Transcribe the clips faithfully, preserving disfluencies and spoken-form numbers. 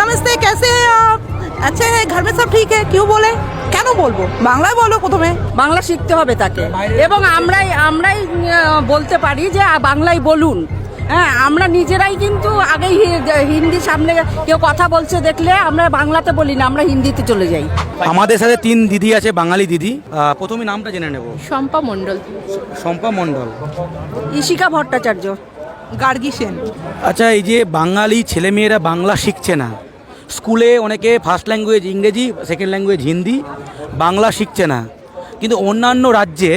नमस्ते, कैसे हैं आप? अच्छे हैं, घर में सब ठीक है? क्यों बोले? কেন বলবো? বাংলায় বলো প্রথমে। বাংলা শিখতে হবে তাকে, এবং আমরাই আমরাই আহ, বলতে পারি যে আহ, বাংলাই বলুন। হ্যাঁ, আমরা নিজেরাই কিন্তু আগেই হি- হিন্দি সামনে কেউ কথা বলছে দেখলে আমরা বাংলাতে বলি না, আমরা হিন্দিতে চলে যাই। আমাদের সাথে তিন দিদি আছে, বাঙালি দিদি। আহ, প্রথমে নামটা জেনে নেব। শম্পা মণ্ডল। শম্পা মণ্ডল। ইশিকা ভট্টাচার্য। গার্গী সেন। আচ্ছা, এই যে বাঙালি ছেলেমেয়েরা বাংলা শিখছে না, স্কুলে অনেকে first language Ingreji, second language Hindi, Bangla শিখছে না, কিন্তু অন্যান্য রাজ্যে,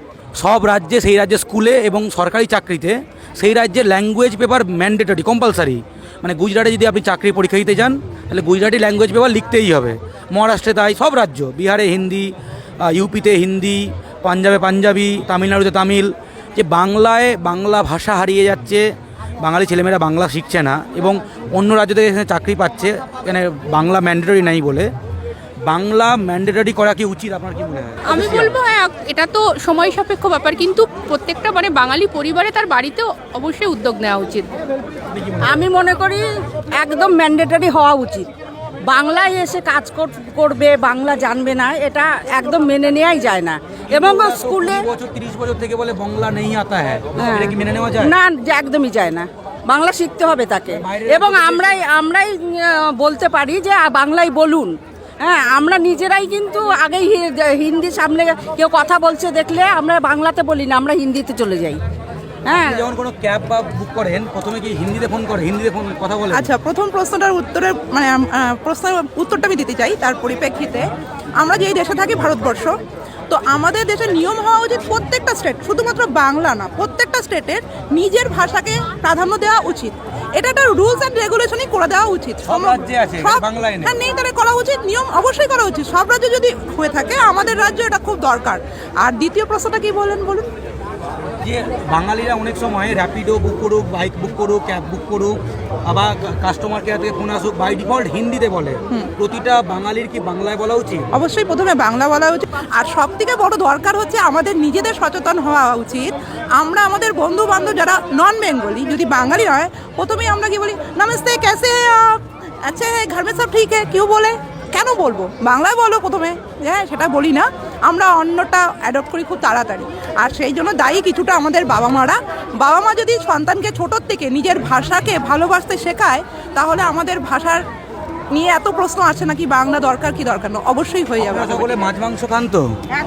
সব রাজ্যে, সেই রাজ্যে স্কুলে এবং সরকারি চাকরিতে সেই রাজ্যের ল্যাঙ্গুয়েজ পেপার ম্যান্ডেটরি, কম্পালসারি। মানে গুজরাটে যদি আপনি চাকরি পরীক্ষা দিতে যান তাহলে গুজরাটি ল্যাঙ্গুয়েজ পেপার লিখতেই হবে। মহারাষ্ট্রে তাই, সব রাজ্য, বিহারে হিন্দি, ইউপিতে হিন্দি, পাঞ্জাবে পাঞ্জাবি, তামিলনাড়ুতে তামিল। যে বাংলায় বাংলা ভাষা হারিয়ে যাচ্ছে, বাঙালি ছেলেমেয়েরা বাংলা শিখছে না এবং অন্য রাজ্য থেকে এখানে চাকরি পাচ্ছে, এখানে বাংলা ম্যান্ডেটরি নাই বলে। বাংলা ম্যান্ডেটরি করা কি উচিত, আপনার কি মনে হয়? আমি বলবো হ্যাঁ, এটা তো সময় সাপেক্ষ ব্যাপার, কিন্তু প্রত্যেকটা মানে বাঙালি পরিবারে তার বাড়িতেও অবশ্যই উদ্যোগ নেওয়া উচিত। আমি মনে করি একদম ম্যান্ডেটরি হওয়া উচিত। বাংলায় এসে কাজ কর- করবে, বাংলা জানবে না, এটা একদম মেনে নেওয়াই যায় না। এবং স্কুলে কুড়ি বছর তিরিশ বছর থেকে বলে বাংলা নেই আতা হ্যাঁ, এটা কি মেনে নেওয়া যায়? না, যে একদমই যায় না। বাংলা শিখতে হবে তাকে, এবং আমরাই আমরাই আহ, বলতে পারি যে আহ, বাংলাই বলুন। হ্যাঁ, আমরা নিজেরাই কিন্তু আগেই হি- হিন্দি সামনে কেউ কথা বলছে দেখলে আমরা বাংলাতে বলি না, আমরা হিন্দিতে চলে যাই। হ্যাঁ, আপনি যখন কোনো ক্যাব বা বুক করেন প্রথমে কি হিন্দিতে ফোন করে, হিন্দিতে ফোন কথা বলে? আচ্ছা, প্রথম প্রশ্নটার উত্তরের মানে আহ, প্রশ্নের উত্তরটা আমি দিতে চাই। তার পরিপ্রেক্ষিতে আমরা যেই দেশে থাকি, ভারতবর্ষ, তো আমাদের দেশের নিয়ম হওয়া উচিত প্রত্যেকটা স্টেট, শুধুমাত্র বাংলা না, প্রত্যেকটা স্টেটের নিজের ভাষাকে প্রাধান্য দেওয়া উচিত। এটা একটা রুলস অ্যান্ড রেগুলেশনই করে দেওয়া উচিত। সব রাজ্যে আছে, সব- বাংলায় নেই। হ্যাঁ, নেই, তাহলে করা উচিত, নিয়ম অবশ্যই করা উচিত। সব রাজ্যে যদি হয়ে থাকে, আমাদের রাজ্য এটা খুব দরকার। আর দ্বিতীয় প্রশ্নটা কি বলেন বলুন। যে বাঙালিরা অনেক সময় র্যাপিডো বুক করুক, বাইক বুক করুক, ক্যাব বুক করুক, আবার কাস্টমার কেয়ার থেকে ফোন আসুক, বাই ডিফল্ট হিন্দিতে বলে। প্রতিটা বাঙালির কি বাংলায় বলা উচিত? অবশ্যই প্রথমে বাংলা বলা উচিত। আর সব থেকে বড় দরকার হচ্ছে আমাদের নিজেদের সচেতন হওয়া উচিত। আমরা আমাদের বন্ধু বান্ধব যারা নন বেঙ্গলি, যদি বাঙালি হয়, প্রথমেই আমরা কি বলি? নমস্তে, कैसे हैं आप? अच्छे हैं, घर में सब ठीक है? क्यों बोले? কেন বলবো? বাংলায় বলো প্রথমে। হ্যাঁ, সেটা বলি না, আমরা অন্যটা অ্যাডপ্ট করি খুব তাড়াতাড়ি। আর সেই জন্য দায়ী কিছুটা আমাদের বাবা মারা। বাবা মা যদি সন্তানকে ছোটোর থেকে নিজের ভাষাকে ভালোবাসতে শেখায়, তাহলে আমাদের ভাষার নিয়ে এত প্রশ্ন আসে নাকি বাংলা দরকার কি দরকার না, অবশ্যই হয়ে যাবে। আপনারা সকলে মাছ মাংস খান তো?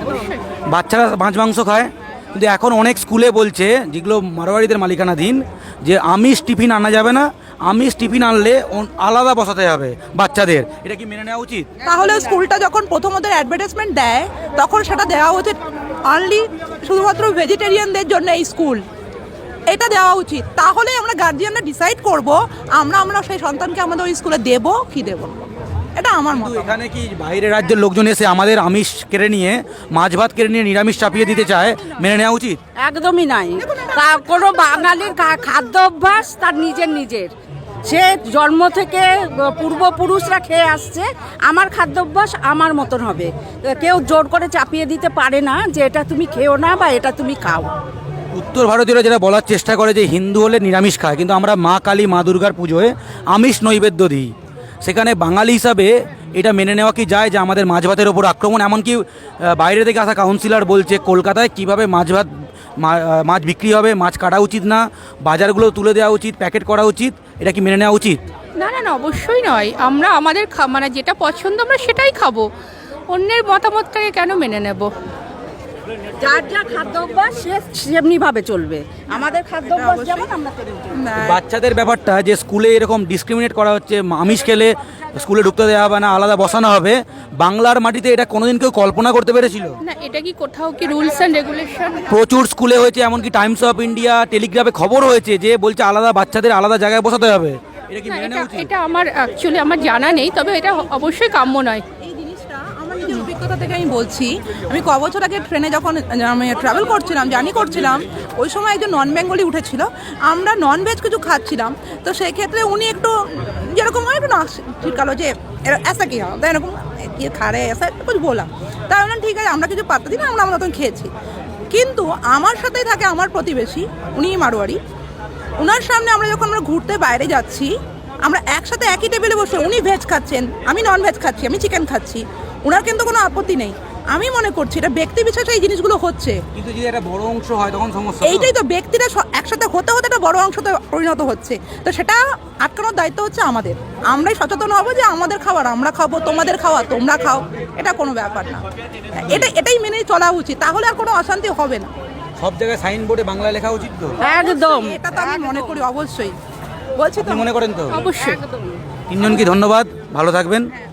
বাচ্চারা মাছ মাংস খায়, কিন্তু এখন অনেক স্কুলে বলছে, যেগুলো মারোয়ারিদের মালিকানাধীন, যে আমিষ টিফিন আনা যাবে না, আমিষ টিফিন আনলে অন- আলাদা বসাতে হবে বাচ্চাদের। এটা কি মেনে নেওয়া উচিত? তাহলে স্কুলটা যখন প্রথমত অ্যাডভার্টাইজমেন্ট দেয়, তখন সেটা দেওয়া উচিত অনলি শুধুমাত্র ভেজিটেরিয়ানদের জন্য এই স্কুল, এটা দেওয়া উচিত। তাহলে আমরা গার্জিয়ানরা ডিসাইড করব আমরা আমরা সেই সন্তানকে আমাদের ওই স্কুলে দেব কি দেব না। এটা আমার মত। কিন্তু এখানে কি বাইরের রাজ্যের লোকজন এসে আমাদের আমিষ কেড়ে নিয়ে, মাছ ভাত কেড়ে নিয়ে নিরামিষ চাপিয়ে দিতে চায়, মেনে নেওয়া উচিত? একদমই নাই। কা- কোনো বাঙালির খা- খাদ্য অভ্যাস তার নিজের নিজের, সে জন্ম থেকে পূর্বপুরুষরা খেয়ে আসছে, আমার খাদ্যাভ্যাস আমার মতন হবে। কেউ জোর করে চাপিয়ে দিতে পারে না যে এটা তুমি খেও না বা এটা তুমি খাও। উত্তর ভারতীয়রা যেটা বলার চেষ্টা করে যে হিন্দু হলে নিরামিষ খায়, কিন্তু আমরা মা কালী, মা দুর্গার পুজোয় আমিষ নৈবেদ্য দিই। সেখানে বাঙালি হিসাবে এটা মেনে নেওয়া কি যায় যে আমাদের মাছ ভাতের ওপর আক্রমণ? এমনকি আহ, বাইরে থেকে আসা কাউন্সিলর বলছে কলকাতায় কিভাবে মাছ ভাত মা- আহ, মাছ বিক্রি হবে, মাছ কাটা উচিত না, বাজারগুলো তুলে দেওয়া উচিত, প্যাকেট করা উচিত। এটা কি মেনে নেওয়া উচিত? না না না, অবশ্যই নয়। আমরা আমাদের খা- মানে যেটা পছন্দ আমরা সেটাই খাবো, অন্যের মতামতটাকে কেন মেনে নেব? যার যা খাদ্য অভ্যাস সে সেমনি ভাবে চলবে। আমাদের খাদ্য অভ্যাস যেমন আমরা তেমনি চলবো। বাচ্চাদের ব্যাপারটা যে স্কুলে এরকম ডিসক্রিমিনেট করা হচ্ছে, আমিষ খেলে স্কুলে ঢুকতে দেওয়া হবে না, আলাদা বসানো হবে, বাংলার মাটিতে এটা কোনোদিন কেউ কল্পনা করতে পেরেছিল? না, এটা কি কোথাও কি রুলস অ্যান্ড রেগুলেশন? প্রচুর স্কুলে হয়েছে, এমনকি টাইমস অফ ইন্ডিয়া, টেলিগ্রাফে খবর হয়েছে যে বলছে আলাদা বাচ্চাদের আলাদা জায়গায় বসাতে হবে। এটা কি না, মেনে এটা নেওয়া উচিত? এটা আমার অ্যাকচুয়ালি আমার জানা নেই, তবে এটা অবশ্যই কাম্য নয়। এই জিনিসটা আমার নিজের অভিজ্ঞতা থেকে আমি বলছি। আমি ক বছর আগে ট্রেনে যখন আমি ট্রাভেল করছিলাম, জার্নি করছিলাম, ওই সময় একজন নন বেঙ্গলি উঠেছিল। আমরা নন ভেজ কিছু খাচ্ছিলাম, তো সেই ক্ষেত্রে উনি একটু যেরকম হয় একটু না শিখালো যে এরা ऐसा কি হয়, তাই এরকম কি খা রে ऐसा कुछ বললাম। তাই বললাম ঠিক আছে, আমরা কিছু পাত্তা দিই না, আমরা আমরা তখন খেয়েছি। কিন্তু আমার সাথেই থাকে আমার প্রতিবেশী, উনি মারোয়ারি। ওনার সামনে আমরা যখন আমরা ঘুরতে বাইরে যাচ্ছি, আমরা একসাথে একই টেবিলে বসে উনি ভেজ খাচ্ছেন, আমি নন ভেজ খাচ্ছি, আমি চিকেন খাচ্ছি, ওনার কিন্তু কোনো আপত্তি নেই। আমি মনে করছি এটা ব্যক্তি বিশেষে এই জিনিসগুলো হচ্ছে। কিন্তু যদি একটা বড় অংশ হয় তখন সমস্যা। এইটাই তো, ব্যক্তিরা স- একসাথে হতে হতে একটা বড় অংশতে পরিণত হচ্ছে, তো সেটা আটকানোর দায়িত্ব হচ্ছে আমাদের। আমরাই সচেতন হবো যে আমাদের খাবার আমরা খাবো, তোমাদের খাওয়া তোমরা খাও, এটা কোনো ব্যাপার না। এটা এটাই মেনে চলা উচিত, তাহলে আর কোনো অশান্তি হবে না। সব জায়গায় সাইনবোর্ডে বাংলা লেখা উচিত তো? একদম এটা তো আমি মনে করি অবশ্যই, বলছি তো। আপনি মনে করেন তো? অবশ্যই। তিনজনকে ধন্যবাদ, ভালো থাকবেন।